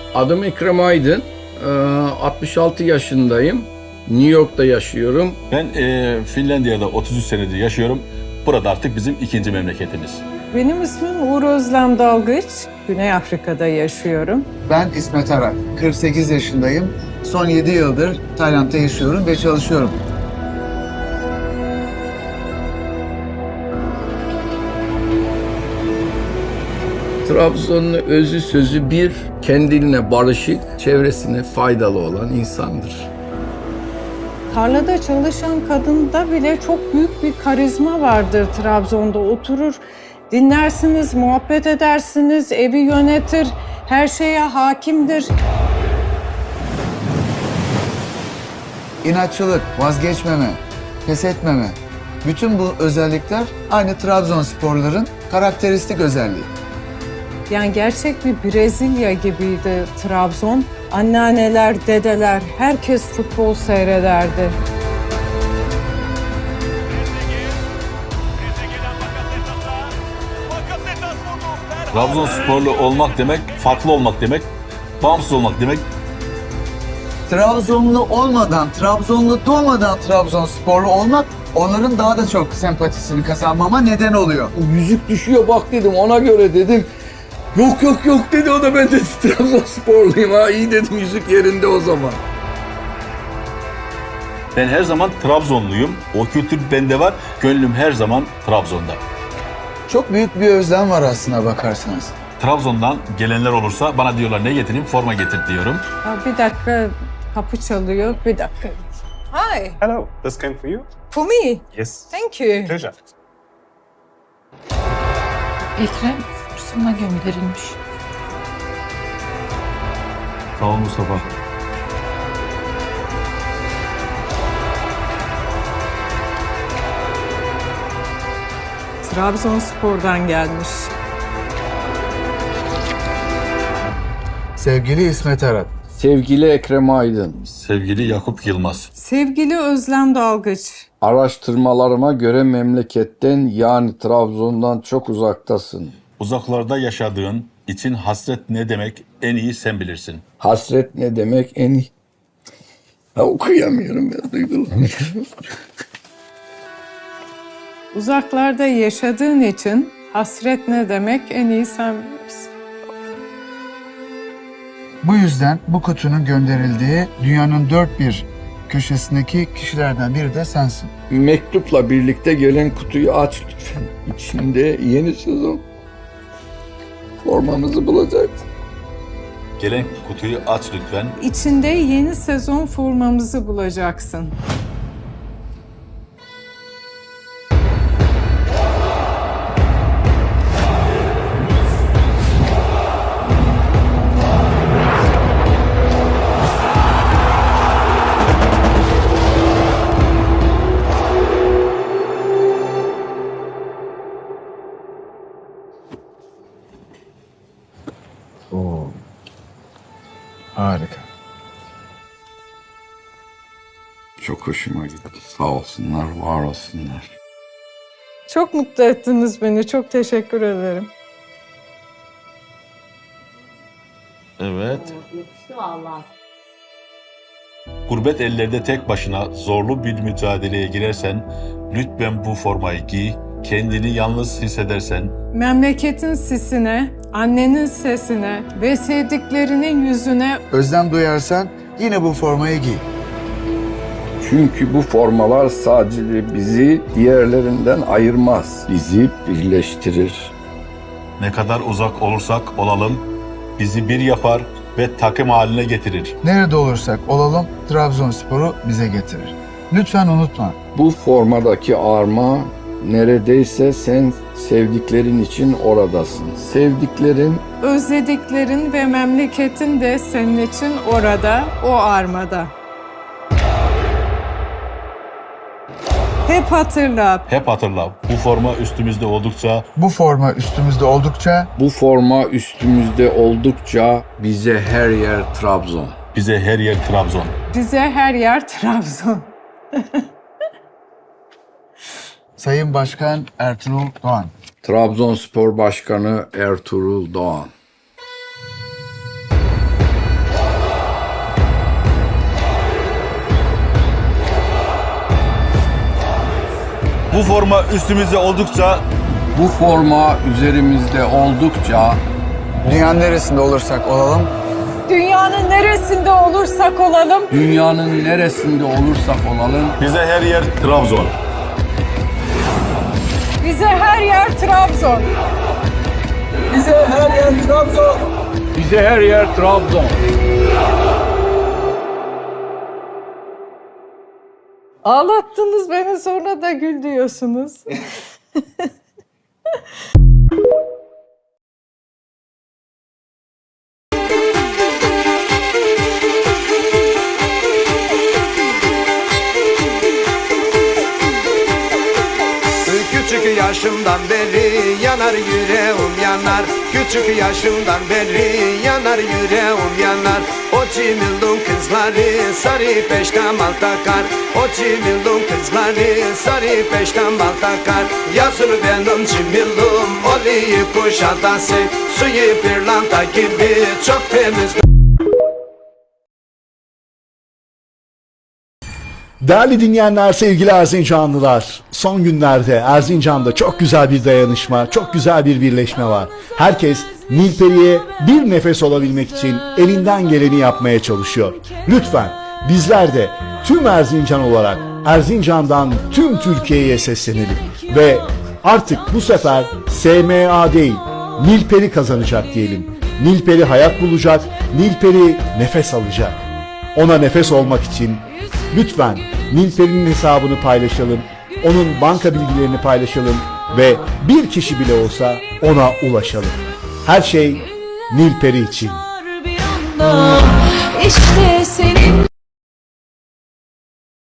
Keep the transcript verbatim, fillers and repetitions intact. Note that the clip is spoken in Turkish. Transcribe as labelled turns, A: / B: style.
A: Adım Ekrem Aydın. Ee, altmış altı yaşındayım. New York'ta yaşıyorum.
B: Ben e, Finlandiya'da otuz üç senedir yaşıyorum. Burada artık bizim ikinci memleketimiz.
C: Benim ismim Uğur Özlem Dalgıç. Güney Afrika'da yaşıyorum.
D: Ben İsmet Arak, kırk sekiz yaşındayım. Son yedi yıldır Tayland'da yaşıyorum ve çalışıyorum.
A: Trabzon'un özü sözü bir, kendine barışık, çevresine faydalı olan insandır.
C: Tarlada çalışan kadında bile çok büyük bir karizma vardır Trabzon'da. Oturur, dinlersiniz, muhabbet edersiniz, evi yönetir, her şeye hakimdir.
D: İnatçılık, vazgeçmeme, pes etmeme. Bütün bu özellikler aynı Trabzonsporların karakteristik özelliği.
C: Yani gerçek bir Brezilya gibiydi Trabzon. Anneanneler, dedeler, herkes futbol seyrederdi.
B: Trabzonsporlu olmak demek, farklı olmak demek, bağımsız olmak demek.
D: Trabzonlu olmadan, Trabzonlu doğmadan Trabzonsporlu olmak onların daha da çok sempatisini kazanmama neden oluyor.
A: Yüzük düşüyor bak dedim, ona göre dedim. Yok yok yok dedi, o da ben de Trabzonsporluyum ha, iyi dedim, yüzük yerinde o zaman.
B: Ben her zaman Trabzonluyum. O kültür bende var. Gönlüm her zaman Trabzon'da.
D: Çok büyük bir özlem var aslına bakarsanız.
B: Trabzon'dan gelenler olursa bana diyorlar ne getireyim? Forma getir diyorum.
C: Ya bir dakika, kapı çalıyor. Bir dakika. Hi,
E: Hello, this came for you?
C: for me.
E: Yes.
C: Thank you.
E: Pleasure.
F: Ekrem sana gönderilmiş.
B: Sağ ol Mustafa.
C: Trabzonspor'dan gelmiş.
D: Sevgili İsmet Arak,
A: Sevgili Ekrem Aydın,
B: Sevgili Yakup Yılmaz.
C: Sevgili Özlem Dalgıç.
A: araştırmalarıma göre memleketten yani Trabzon'dan çok uzaktasın.
B: Uzaklarda yaşadığın için hasret ne demek en iyi sen bilirsin.
A: Hasret ne demek en iyi? Ha, okuyamıyorum ya, duygulanıyorum.
C: Uzaklarda yaşadığın için hasret ne demek en iyi sen bilirsin.
D: bu yüzden bu kutunun gönderildiği dünyanın dört bir köşesindeki kişilerden biri de sensin.
A: Mektupla birlikte gelen kutuyu aç lütfen. İçinde yeni sezon formamızı bulacaksın.
B: Gelen kutuyu aç lütfen.
C: İçinde yeni sezon formamızı bulacaksın.
D: Oo. Harika.
A: Çok hoşuma gitti. Sağ olsunlar, var olsunlar.
C: Çok mutlu ettiniz beni. Çok teşekkür ederim.
B: Evet. Gurbet ellerde tek başına zorlu bir mücadeleye girersen lütfen bu formayı giy. Kendini yalnız hissedersen
C: Memleketin sisine, annenin sesine ve sevdiklerinin yüzüne
D: Özlem duyarsan yine bu formayı giy.
A: Çünkü bu formalar sadece bizi diğerlerinden ayırmaz. Bizi birleştirir.
B: ne kadar uzak olursak olalım bizi bir yapar ve takım haline getirir.
D: Nerede olursak olalım Trabzonspor'u bize getirir. Lütfen unutma.
A: Bu formadaki arma neredeyse sen sevdiklerin için oradasın. Sevdiklerin
C: özlediklerin ve memleketin de senin için orada, o armada. Hep hatırla,
B: Hep hatırla bu forma üstümüzde oldukça
D: Bu forma üstümüzde oldukça
A: bu forma üstümüzde oldukça bize her yer Trabzon.
B: bize her yer Trabzon.
C: bize her yer Trabzon.
D: Sayın Başkan Ertuğrul Doğan.
A: Trabzonspor Başkanı Ertuğrul Doğan.
B: Bu forma üstümüzde oldukça
A: Bu forma üzerimizde oldukça
D: Dünyanın neresinde olursak olalım
C: Dünyanın neresinde olursak olalım,
A: dünyanın neresinde olursak olalım
B: bize her yer Trabzon.
C: bize her yer Trabzon.
A: bize her yer Trabzon. Bize her yer Trabzon.
C: Ağlattınız beni, sonra da gül diyorsunuz.
E: Küçük yaşımdan beri yanar yüreğim yanar. Küçük yaşımdan beri yanar yüreğim yanar. O cimildun kızları sarı peştemal takar. O cimildun kızları sarı peştemal takar. Yazır benim cimildum oluyor kuşadası. Suyu pırlanta gibi çok temiz.
G: Değerli dinleyenler, sevgili Erzincanlılar, son günlerde Erzincan'da çok güzel bir dayanışma, çok güzel bir birleşme var. Herkes Nilperi'ye bir nefes olabilmek için elinden geleni yapmaya çalışıyor. Lütfen bizler de tüm Erzincan olarak Erzincan'dan tüm Türkiye'ye seslenelim ve artık bu sefer S M A değil, Nilperi kazanacak diyelim. Nilperi hayat bulacak, Nilperi nefes alacak. Ona nefes olmak için lütfen Nilperi'nin hesabını paylaşalım, onun banka bilgilerini paylaşalım ve bir kişi bile olsa ona ulaşalım. Her şey Nilperi için.
H: İşte senin